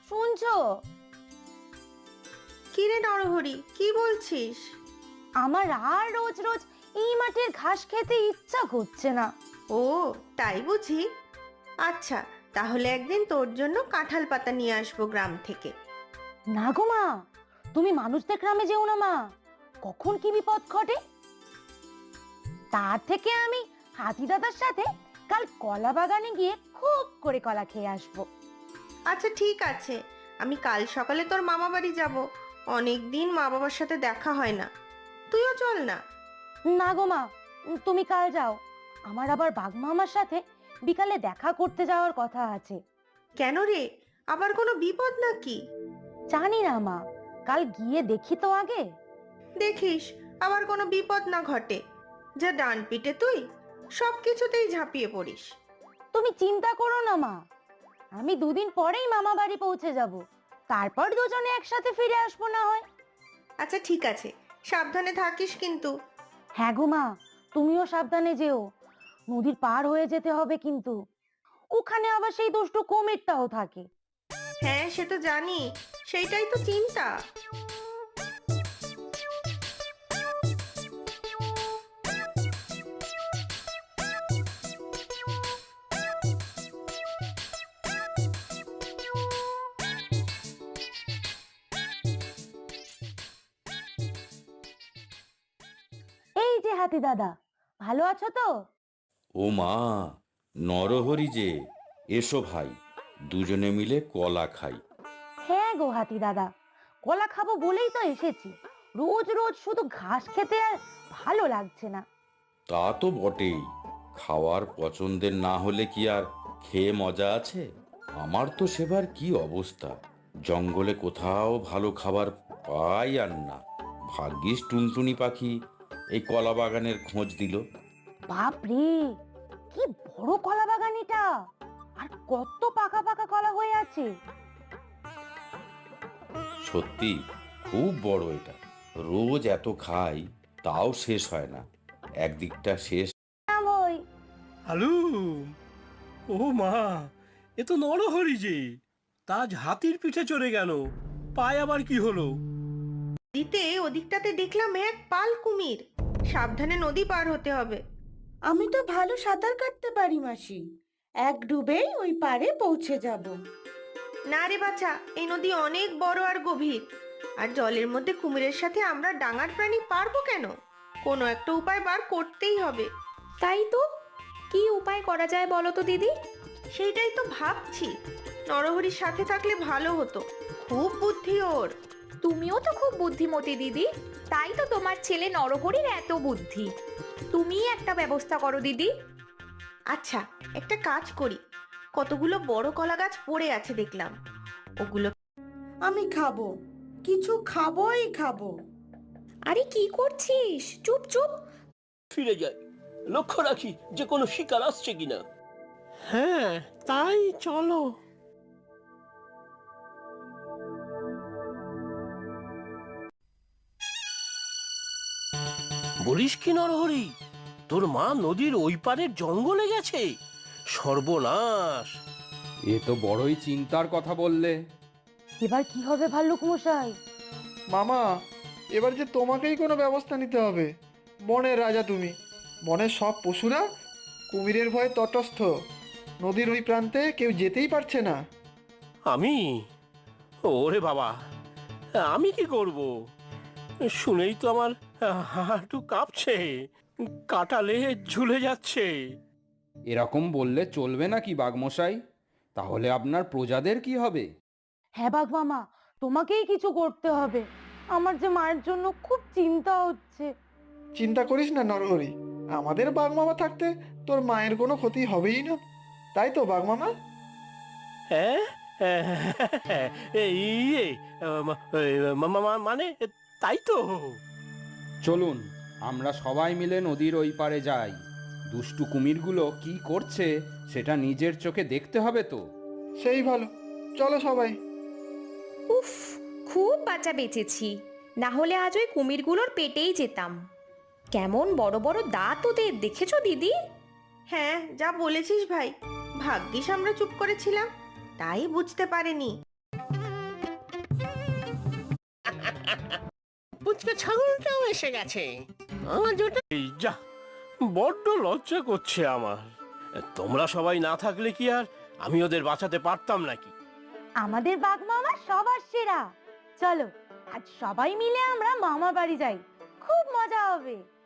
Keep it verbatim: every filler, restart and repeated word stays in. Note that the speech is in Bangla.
শুনছো? কি রে নরহরি, কি বলছিস? আমার আর রোজ রোজ এই মাঠের ঘাস খেতে ইচ্ছা করছে না। ও তাই বুঝি? আচ্ছা, তাহলে একদিন তোর জন্য কাঁঠাল পাতা নিয়ে আসবো গ্রাম থেকে। না গো মা, তুমি মানুষদের গ্রামে যেও না মা, কখন কি বিপদ ঘটে। তার থেকে আমি হাতি দাদার সাথে কাল কলা বাগানে গিয়ে খুব করে কলা খেয়ে আসবো। আচ্ছা ঠিক আছে, আমি কাল সকালে তোর মামা বাড়ি যাব। অনেক দিন মা বাবার সাথে দেখা হয় না, তুইও চল না। না গো মা, তুমি কাল যাও, আমার আবার বাঘ মামার সাথে বিকালে দেখা করতে যাওয়ার কথা আছে। কেন রে, আবার কোনো বিপদ নাকি? জানি না মা, কাল গিয়ে দেখি তো আগে। দেখিস আবার কোনো বিপদ না ঘটে। যা ডান পিটে তুই, সব কিছুতেই ঝাঁপিয়ে পড়িস। তুমি চিন্তা করো না মা, আমি দুদিন পরেই মামা বাড়ি পৌঁছে যাব, তারপর দুজনে একসাথে ফিরে আসবো না হয়। আচ্ছা ঠিক আছে, সাবধানে থাকিস কিন্তু। হ্যাঁ গো মা, তুমিও সাবধানে যেও, নদীর পার হয়ে যেতে হবে কিন্তু, ওখানে আবার সেই দুষ্টু কুমিরটাও থাকে। হ্যাঁ সে তো জানি, সেইটাই তো চিন্তা। এই যে হাতি দাদা, ভালো আছো তো? ও মা, নরহরি যে, এসো ভাই, দুজনে মিলে কলা খাই। হ্যাঁ গো হাতি দাদা, কলা খাবো বলেই তো এসেছি, রোজ রোজ শুধু ঘাস খেতে আর ভালো লাগছে না। তা তো বটেই, খাওয়ার পছন্দের না হলে কি আর খেয়ে মজা আছে? আমার তো সেবার কি অবস্থা, জঙ্গলে কোথাও ভালো খাবার পাই আর না। ভাগ্যিস টুনটুনি পাখি এই কলা বাগানের খোঁজ দিল। বাপরে, কি বড় কলা বাগান এটা, আর কত পাকা পাকা কলা হয়ে আছে। সত্যি খুব বড় এটা, রোজ এত খাই তাও শেষ হয় না, একদিকটা শেষ। ওই হ্যালো, ও মা, এ তো নরহরি যে, তাজ হাতির পিঠে চড়ে গেল, পায়ে আবার কি হলো? দিতে ওদিকটাতে দেখলাম এক পাল কুমির, সাবধানে নদী পার হতে হবে। আমি তো ভালো সাঁতার কাটতে পারি মাসি, এক ডুবেই ওই পারে পৌঁছে যাব। না রে বাছা, এই নদী অনেক বড় আর গভীর, আর জলের মধ্যে কুমিরের সাথে আমরা ডাঙার প্রাণী পারবো কেন? কোনো একটা উপায় বার করতেই হবে। তাই তো, কি উপায় করা যায় বলো তো দিদি? সেইটাই তো ভাবছি, নরহরির সাথে থাকলে ভালো হতো, খুব বুদ্ধি ওর। তুমিও তো খুব বুদ্ধিমতী দিদি, তাই তো তোমার ছেলে নরহরির এত বুদ্ধি। তুমিই একটা ব্যবস্থা করো দিদি। আচ্ছা একটা কাজ করি, কতগুলো বড় কলা গাছ পড়ে আছে দেখলাম, ওগুলো আমি খাবো, কিছু খাবোই খাবো। আরে কি করছিস? চুপ চুপ। ফিরে যাই, লক্ষ্য রাখি যে কোনো শিকার আসছে কিনা। হ্যাঁ তাই চলো। বলিস কি নরহরি, তোর মা নদীর ওই পারের জঙ্গলে গেছে? সর্বনাশ! এ তো বড়ই চিন্তার কথা বললে। এবার কি হবে ভাল্লুক মশাই? মামা, এবার যে তোমাকেই কোনো ব্যবস্থা নিতে হবে। বনের রাজা তুমি, বনের সব পশুরা কুমিরের ভয়ে তটস্থ, নদীর ওই প্রান্তে কেউ যেতেই পারছে না। আমি? ওরে বাবা, আমি কি করব? শুনেই তো আমার হাঁটু কাঁপছে, কাটালে ঝুলে যাচ্ছে। এরকম বললে চলবে নাকি বাঘমশাই? তাহলে আপনার প্রজাদের কি হবে? হ্যাঁ বাঘ মামা, তোমাকেই কিছু করতে হবে, আমার যে মায়ের জন্য খুব চিন্তা হচ্ছে। চিন্তা করিস না নরহরি, আমাদের বাঘ মামা থাকতে তোর মায়ের কোনো ক্ষতি হবেই না, তাই তো বাঘ মামা? হ্যাঁ, এই মানে তাই তো। চলুন আমরা সবাই মিলে নদীর ওই পারে যাই, দুষ্টু কুমিরগুলো কি করছে সেটা নিজের চোখে দেখতে হবে তো। সেই ভালো, চলো সবাই। উফ, খুব বাঁচা বেঁচেছি, না হলে আজ ওই কুমিরগুলোর পেটেই যেতাম। কেমন বড় বড় দাঁত ওদের, দেখেছো দিদি? হ্যাঁ যা বলেছিস ভাই, ভাগ্যিস আমরা চুপ করেছিলাম, তাই বুঝতে পারিনি। পুচকে ছাগলটাও এসে গেছে। আজ ওটা এই যা, বড্ড লজ্জা করছে আমার। তোমরা সবাই না থাকলে কি আর আমি ওদের বাঁচাতে পারতাম নাকি? আমাদের বাঘ মামা সবার সেরা। চলো আজ সবাই মিলে আমরা মামা বাড়ি যাই, খুব মজা হবে।